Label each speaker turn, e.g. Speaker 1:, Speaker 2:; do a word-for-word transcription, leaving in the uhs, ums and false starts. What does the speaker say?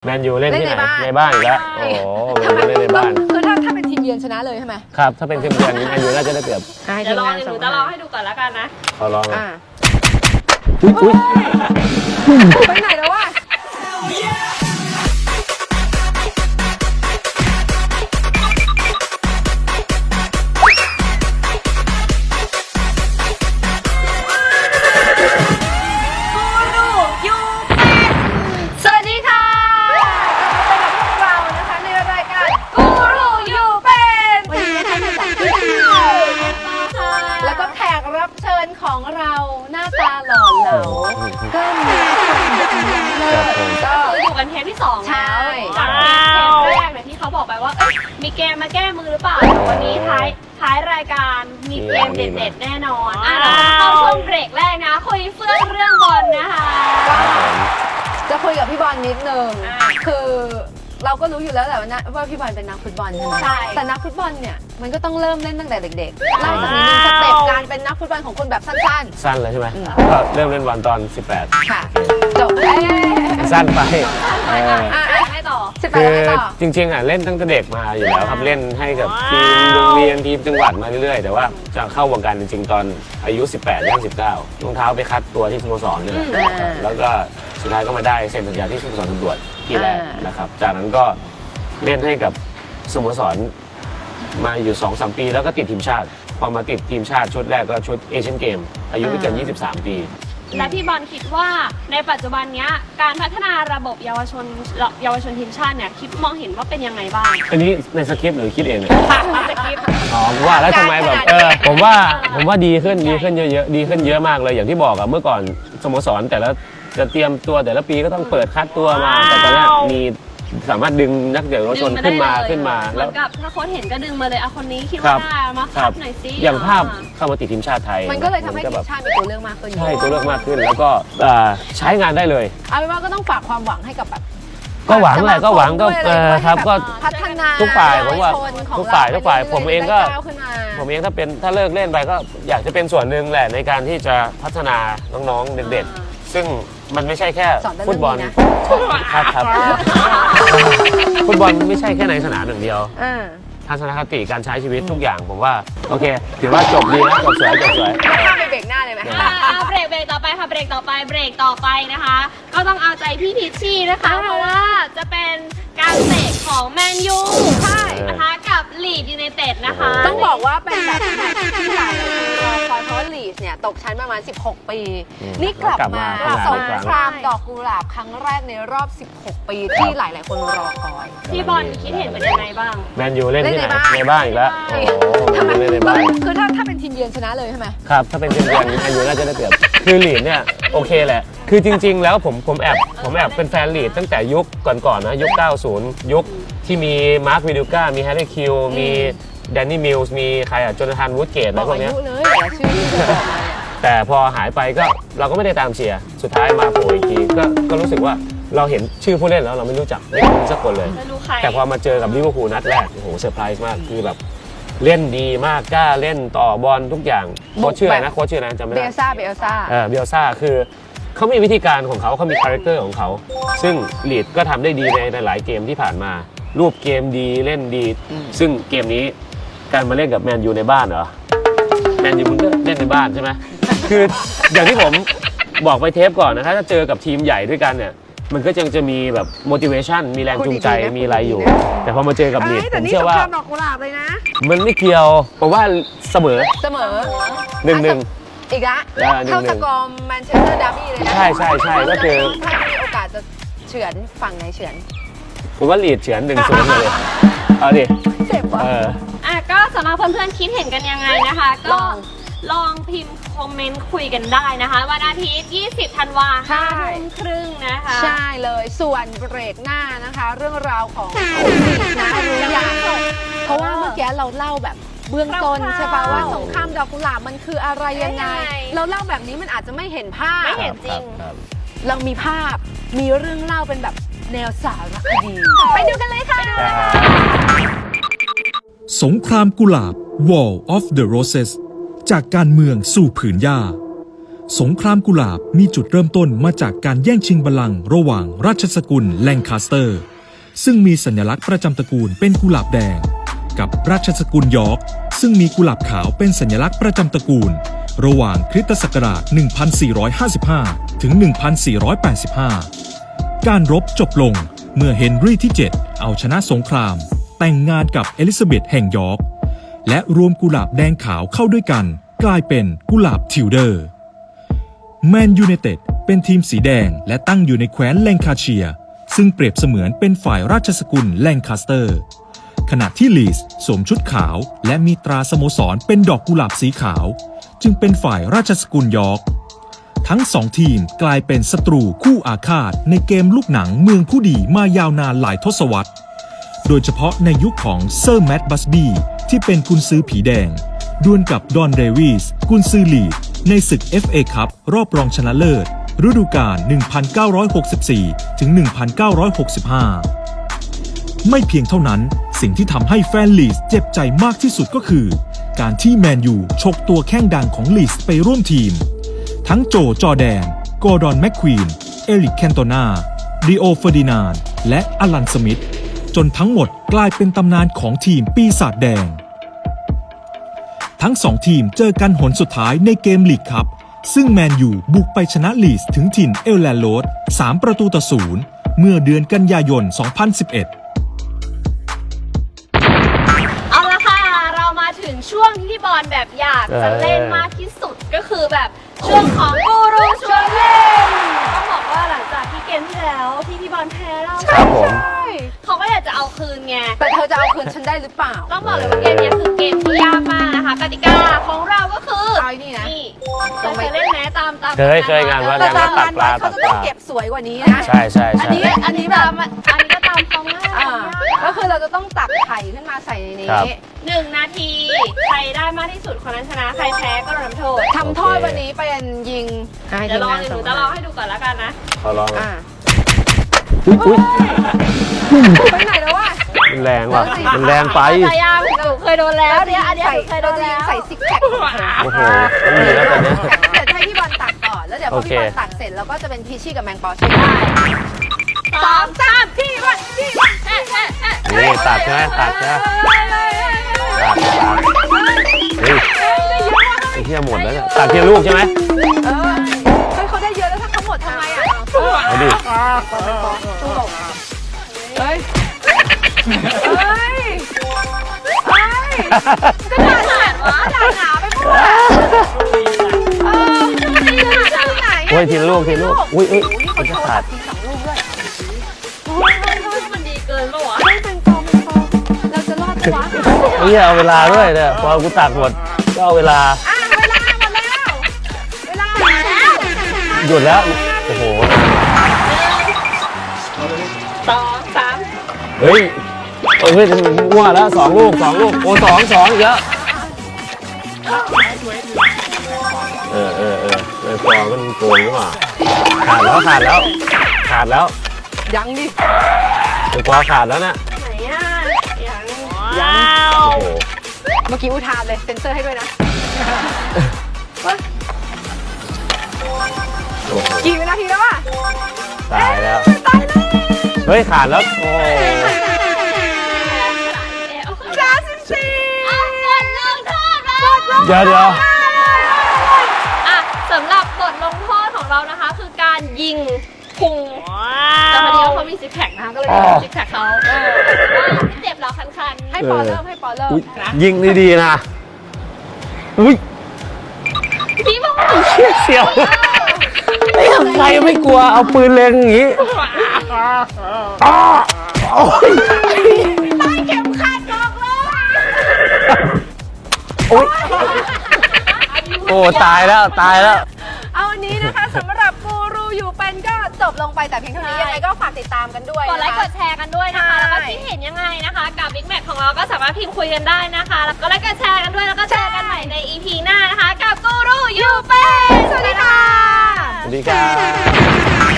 Speaker 1: แมนยูเล่นที่ไหนในบ้านอีกแล้วโอ้โหแมนยูเล่นในบ้าน
Speaker 2: คือถ้าถ้าเป็นทีมเยือนชนะเลยใช่ไหม
Speaker 1: ครับถ้าเป็นทีมเยือนแมนยูน่าจะได้เปรียบ
Speaker 3: เดี๋ยวลองหนูจะลองให้ดูก่อนแล้วกันนะ
Speaker 1: ขอลอง
Speaker 2: อ่ะ
Speaker 1: อุ้ย
Speaker 2: ไปไหนแล้ววะของเราหน้าตาหล่อเหลาก็มี
Speaker 3: ก็อยู่กันเทปที่สองแล้วจากเทปแรกเนี่ยที่เขาบอกไปว่ามีเกมมาแก้มือหรือเปล่าวันนี้ท้ายท้ายรายการมีเกมเด็ดๆแน่นอนอ่ะเข้าช่วงเบรกแรกนะคุยเฟื่องเรื่องบอลนะคะ
Speaker 2: จะคุยกับพี่บอลนิดนึงคือเราก็รู้อยู่แล้วแหละว่าพี่บอลเป็นนักฟุตบอลใช่ไหมใช่แต่นักฟุตบอลเนี่ยมันก็ต้องเริ่มเล่นตั้งแต่เด็กๆเล่าจากนี้สเต็ปการเป็นนักฟุตบอลของคนแบบสั้น
Speaker 1: ๆสั้นเลยใช่ไหมก็เริ่มเล่นบอลตอนสิบแปด
Speaker 2: ค่ะจบ
Speaker 1: สั้นไป
Speaker 3: ให้ต่อ
Speaker 1: คือจริงๆอ่ะเล่นตั้งแต่เด็กมาอยู่แล้วครับเล่นให้กับทีมโรงเรียนทีมจังหวัดมาเรื่อยๆแต่ว่าจะเข้าวงการจริงๆตอนอายุสิบแปดย่างสิบเก้ารองเท้าไปคัดตัวที่สโมสรนี่แหละแล้วก็สุดท้ายก็มาได้เซ็นสัญญาที่สโมสรตำรวจที่แรกนะครับจากนั้นก็เล่นให้กับสโมสรมาอยู่ สองถึงสาม ปีแล้วก็ติดทีมชาติพอมาติดทีมชาติชุดแรกก็ชุดเอเชียนเกมอายุไม่เกินยี่สิบสามปี
Speaker 3: และพี่บอลคิดว่าในปัจจุบันนี้การพัฒนาระบบเยาวชนเยาวชนทีมชาติเนี่ยคิดมองเห็นว่าเป็นยังไงบ้าง
Speaker 1: อันนี้ในสคริปต์หรือคิดเองเนี่ย
Speaker 3: ในสคริปต์
Speaker 1: อ๋อว่าแล้วทำไมแบบเออผมว่าผมว่าดีขึ้นดีขึ้นเยอะๆดีขึ้นเยอะมากเลยอย่างที่บอกอะเมื่อก่อนสโมสรแต่ละจะเตรียมตัวแต่ละปีก็ต้องเปิดคัดตัวมาแต่ตอนนี้มีสามารถดึงนักเตะเยาวชนขึ้นมาขึ้นมา
Speaker 3: แล้วกับถ้าโค้ชเห็นก็ดึงมาเลยเอาคนนี้คิดว่าได้มาคัดหน่อยสิ
Speaker 1: อย่างภาพเข้ามาติดทีมชาติไทย
Speaker 2: มันก็เลยทำให้ทีมชาติมีตัวเลือกมากขึ้น
Speaker 1: ใช่ตัวเลือกมากขึ้นแล้วก็ใช้งานได้เลย
Speaker 2: เอาเป็นว่าก็ต้องฝากความหวังให้กับแบบ
Speaker 1: ก็หวังแหละก็หวังก็เออครับก็
Speaker 2: พัฒนา
Speaker 1: ทุกฝ่ายผมว่าทุกฝ่ายทุกฝ่ายผมเองก็ผมเองถ้าเป็นถ้าเลิกเล่นไปก็อยากจะเป็นส่วนหนึ่งแหละในการที่จะพัฒนาน้องๆเด็กๆซึ่งมันไม่ใช่แค่ฟุตบอลครับครับฟุตบอลไม่ใช่แค่ในสนามอย่างเดียวทัศนคติการใช้ชีวิตทุกอย่างผมว่าโอเคถือว่าจบดีนะจบสวยจบสวย
Speaker 2: ข้ามไปเบรกหน้าเลยไหม
Speaker 3: เบรกเบรกต่อไปค่ะเบรกต่อไปเบรกต่อไปนะคะก็ต้องเอาใจพี่พิชชี่นะคะเพราะว่าจะเป็นการเตะของแมนยูใช่นะคะกับลีดยูไนเต็ดนะคะ
Speaker 2: ต้องบอกว่าเป็นแบบแมตช์ที่หลายคนรอคอยเพราะลีดเนี่ยตกชั้นประมาณสิบหกปีนี่กลับมาสงครามดอกกุหลาบครั้งแรกในรอบสิบหกปีที่หลายๆคนรอคอย
Speaker 3: พี่บอลคิดเห็นเป็นยังไงบ้าง
Speaker 1: แมนยูเล่นที่ไหนในบ้านอีกแล้วโอ้โหเล่นในบ้าน
Speaker 2: คือถ้าถ้าเป็นทีมเยือนชนะเลยใช่ไหม
Speaker 1: ครับถ้าเป็นทีมเยือนแมนยูน่าจะได้เปรียบคือลีดเนี่ยโอเคแหละคือจริงๆแล้วผมผมแอบผมแอบเป็นแฟนลีดตั้งแต่ยุคก่อนๆนะยุคเก้าสิบยุคที่มีมาร์ควิดิก้ามีแฮร์รี่คิวมีแดนนี่มิลส์มีใครอ่ะโจนาธานวูดเกตอะไรพวกนี้แต่พอหายไปก็เราก็ไม่ได้ตามเชียร์สุดท้ายมาโผล่อีกทีก็ก็รู้สึกว่าเราเห็นชื่อผู้เล่นแล้วเราไม่รู้จักไม่รู้สักคนเลยแต่พอมาเจอกับลิเวอร์พูลนัดแรกโอ้โหเซอร์ไพรส์มากคือแบบเล่นดีมากกล้าเล่นต่อบอลทุกอย่างโค้ชชื่ออะไรนะโค้ชชื่ออะไรจำไม่ได้
Speaker 2: เบลซ่าเบลซ่า
Speaker 1: เออเบลซ่าคือเขามีวิธีการของเขาเขามีคาแรคเตอร์ของเขาซึ่งลีดก็ทำได้ดีในหลายเกมที่ผ่านมารูปเกมดีเล่นดีซึ่งเกมนี้การมาเล่นกับแมนยูในบ้านเหรอแมนยูมันก็เล่นในบ้านใช่ไหมคืออย่างที่ผมบอกไปเทปก่อนนะครับถ้าเจอกับทีมใหญ่ด้วยกันเนี่ยมันก็ยังจะมีแบบ motivation มีแรงจูงใจมีอะไรอยู่แต่พอมาเจอกับลีดผมเชื่อว่า
Speaker 2: ดอกกุหลาบเลยนะ
Speaker 1: มันไม่เกี่ยวผมว่าเสมอ
Speaker 2: เสมอ
Speaker 1: หนึ่งหนึ่ง
Speaker 2: อีกละเท่าสกอร์แมนเชสเตอร์ดาร์บี้เลยนะ
Speaker 1: ใช่ใช่ใช่ก็คือ
Speaker 2: ถ้ามีโอกาสจะเฉือนฝั่งไหนเฉือน
Speaker 1: ผมว่าลีดเฉือนหนึ่งศูนย์เลยเอาดิ
Speaker 2: เจ็บว่ะ
Speaker 3: อ่ะก็สำหรับเพื่อนๆคิดเห็นกันยังไงนะคะก็ลองพิมพ์คอมเมนต์คุยกันได้นะคะวันอาทิตย์ยี่สิบธันวาคมห้าทุ่มครึ่งนะคะ
Speaker 2: ใช่เลยส่วนเบรกหน้านะคะเรื่องราวของลีดนะรู้อย่างเพราะว่าเมื่อกี้เราเล่าแบบเบื้องต้นใช่ป่ะว่าสงครามดอกกุหลาบมันคืออะไรยังไงเราเล่าแบบนี้มันอาจจะไม่เห็นภาพ
Speaker 3: ไม่เห็นจริง
Speaker 2: เรามีภาพมีเรื่องเล่าเป็นแบบแนวสารคดีไปดูกันเลยค่ะ
Speaker 4: สงครามกุหลาบ War of the Roses จากการเมืองสู่ผืนหญ้าสงครามกุหลาบมีจุดเริ่มต้นมาจากการแย่งชิงบัลลังก์ระหว่างราชสกุลแลงคาสเตอร์ซึ่งมีสัญลักษณ์ประจำตระกูลเป็นกุหลาบแดงกับราชสกุลยอร์กซึ่งมีกุหลาบขาวเป็นสัญลักษณ์ประจำตระกูลระหว่างคริสตศักราช หนึ่งพันสี่ร้อยห้าสิบห้า ถึง หนึ่งพันสี่ร้อยแปดสิบห้า การรบจบลงเมื่อเฮนรี่ที่ เจ็ด เอาชนะสงครามแต่งงานกับเอลิซาเบธแห่งยอร์กและรวมกุหลาบแดงขาวเข้าด้วยกันกลายเป็นกุหลาบทิวเดอร์แมนยูไนเต็ดเป็นทีมสีแดงและตั้งอยู่ในแคว้นแลงคาเชียร์ซึ่งเปรียบเสมือนเป็นฝ่ายราชสกุลแลงคาสเตอร์ขณะที่ลีสสวมชุดขาวและมีตราสโมสรเป็นดอกกุหลาบสีขาวจึงเป็นฝ่ายราชสกุลยอร์กทั้งสองทีมกลายเป็นศัตรูคู่อาฆาตในเกมลูกหนังเมืองผู้ดีมายาวนานหลายทศวรรษโดยเฉพาะในยุคของเซอร์แมตต์บัสบีที่เป็นกุนซือผีแดงดวลกับดอนเดวิสกุนซือลีดในศึก เอฟ เอ คัพรอบรองชนะเลิศฤดูกาล หนึ่งพันเก้าร้อยหกสิบสี่ ถึง หนึ่งพันเก้าร้อยหกสิบห้า ไม่เพียงเท่านั้นสิ่งที่ทำให้แฟนลีสเจ็บใจมากที่สุดก็คือการที่แมนยูฉกตัวแข้งดังของลีสไปร่วมทีมทั้งโจจอร์แดนกอร์ดอนแมคควีนเอริกแคนโตนาริโอเฟอร์ดินานด์และอลันสมิธจนทั้งหมดกลายเป็นตำนานของทีมปีศาจแดงทั้งสองทีมเจอกันหนสุดท้ายในเกมลีกคัพซึ่งแมนยูบุกไปชนะลีสถึงถิ่นเอลแลนด์โรดสามประตูต่อศูนย์เมื่อเดือนกันยายน สองพันสิบเอ็ด
Speaker 3: เอาละค่ะเรามาถึงช่วงที่พี่บอลแบบอยากจะเล่นมากที่สุดก็คือแบบช่วงของกูรูชวนเล่นต้องบอกว่าหลังจากที่เกมที่แล้วที่พี่บอลแพ้เรา
Speaker 1: ครับผม
Speaker 3: เขาก็อยากจะเอาคืนไง
Speaker 2: แต่เธอจะเอาคืนฉันได้หรือเปล่า
Speaker 3: ต้องบอกเลยว่าเกมนี้คือเกมที่ยากมากนะคะกติกาของเราก็คือ
Speaker 2: เอาไอ้นี่นะ
Speaker 3: นี่เราเคยเล่นแม้ตามตาม
Speaker 1: เคยเคยงานวัด
Speaker 2: แต่
Speaker 1: งานวั
Speaker 2: ตา
Speaker 1: ด
Speaker 2: ม
Speaker 1: ตั
Speaker 2: ร้าก น
Speaker 1: ปลา
Speaker 2: วัดเขา
Speaker 1: ตัก
Speaker 2: จะ
Speaker 1: ป
Speaker 2: ต้อง
Speaker 1: ลา
Speaker 2: เก็บสวยกว่านี้นะ
Speaker 1: ใช่ใช่
Speaker 3: อัน
Speaker 1: ใช่
Speaker 3: นี้อันนี้ตามอันนี้ก็ตามเขาง่าย
Speaker 2: อ่าก็คือเราจะต้องตักไข่ขึ้นมาใส่ในนี้
Speaker 3: หนึ่งนาทีใครได้มากที่สุดคนนั้นชนะใครแพ้ก็โดนทำโทษ
Speaker 2: ทำโทษวันนี้เป็นยิง
Speaker 3: เดี๋ยวลองเดี๋ยวหนูจะลองให้ดูก่อนแล้วกันนะ
Speaker 1: เขาลอง
Speaker 2: อ่า
Speaker 1: อุ๊ยอุ๊ย
Speaker 2: ไปไหนแล้ววะ
Speaker 1: มันแรงว่ะมันแรงไป
Speaker 3: แต่ยังหนูเคยโดนแล้วเนี่ยอันเนี้ยหนูเคยโดนแล้ว
Speaker 2: ใส่ซิกแพค
Speaker 1: โอ้โหไม่มีแล้วตอนเนี้ย
Speaker 2: เดี๋ยวให้พี่บอลตักก่อนแล้วเดี๋ยวพอ
Speaker 1: โอเค
Speaker 2: พี่บอลตักเสร็จเราก็จะเป็นพีชี่กับแมงปอใช่ไหม
Speaker 3: สองสามพี่วันพี่วันเอ๊ะเอ๊ะเอ๊ะ
Speaker 1: นี่ตัดใช่ไหมตัดใช่ไหมตัดตัดเฮ้ยไอ้เหี้ยหมดแล้วเนี่ยตัดทีละลูกใช่ไหม
Speaker 2: เออเฮ้ยเขาได้เยอะแล้วถ้าเขาหมดทำไมอ่ะ
Speaker 1: เอาดิ
Speaker 2: ตู้หลบเฮ้ยเฮ้ยเฮ้ยก็หนาหนาวะหนาหนาไปหมดเออนี่หนาที่ไหน
Speaker 1: โอ้ยทีละลูกทีละลูกอุ้ยอุ้ยมันจะขาด
Speaker 2: ทีสองลูกด้วย
Speaker 3: เฮ้ยเฮ้ยเฮ้ยมันดีเกินปะวะ
Speaker 2: เฮ้ยเป็นกองเป็นกองเราจะรอดปะวะ
Speaker 1: เฮ้ยเอาเวลาด้วยเนี่ยพอกูตักหมดก็เอาเวลา
Speaker 2: อ่ะเวลาหมดแล้ว เวลาหมดแล้ว
Speaker 1: หยุดแล้วโอ้โห
Speaker 3: สองสาม
Speaker 1: เฮ้ยเฮ้ยมั่วแล้วสองลูกสองลูกโอ้สองสองอีกแล้วเออเออเออไอ้ปอมันโกงหรือเปล่าขาดแล้วขาดแล้วขาดแล้ว
Speaker 2: ยังดิ
Speaker 1: ไอ้ปอขาดแล้วเนี่ย
Speaker 3: ไหนอ่ะยัง
Speaker 2: ยัง
Speaker 1: โอ้โห
Speaker 2: เมื่อกี้อุทานเลยเซ็นเซอร์ให้ด้วยนะ
Speaker 1: โอ้โห
Speaker 2: กี่วินาทีแล้วอ่ะ
Speaker 1: ตายแล้ว
Speaker 2: ตายแล้ว
Speaker 1: เฮ้ยขาดแล้วโอ้โห
Speaker 2: สามสิบสี่
Speaker 3: เอาบทลงโทษมา
Speaker 1: เดี๋ยวเดี๋ยว
Speaker 3: อ่ะสำหรับบทลงโทษของเรานะคะ คือการยิงพุงแต่พอดีว่าเขามีซิกแพคนะคะก็เลยโดนซิกแพคเขาเออว่าเจ็บเหราคันๆ
Speaker 2: ให้ปอเริ่มให้ปอเริ่ม
Speaker 1: อุ๊ยยิงดีๆนะอุ้ย
Speaker 3: พี่บอก
Speaker 1: เชี่ยเสียวไอ้ใครไม่กลัวเอาปืนเล็งอย่างงี้อ้าโอ้ย
Speaker 2: ตายเข็มขัดบอกเลย
Speaker 1: โอ้ยโอ้ตายแล้วตายแล้ว
Speaker 2: เอาวันนี้นะคะสำหรับกูรูอยู่เป็นก็จบลงไปแต่เพียงเท่านี้ยังไงก็ฝากติดตามกันด้วย
Speaker 3: กดไลค์ก
Speaker 2: นะคะ
Speaker 3: ดแชร์กันด้วยนะคะ
Speaker 2: ใช่
Speaker 3: แล้วก็คิดเห็นยังไงนะคะ กับ Big Mac ของเราก็สามารถพิมพ์คุยกันได้นะคะ แล้วก็ไลค์กดแชร์กันด้วย แล้วก็เจอกันใหม่ใน อี พี หน้านะคะ กับกูรูอยู่เป็น
Speaker 2: สวัสดีค่ะ
Speaker 1: สวัสดีครับ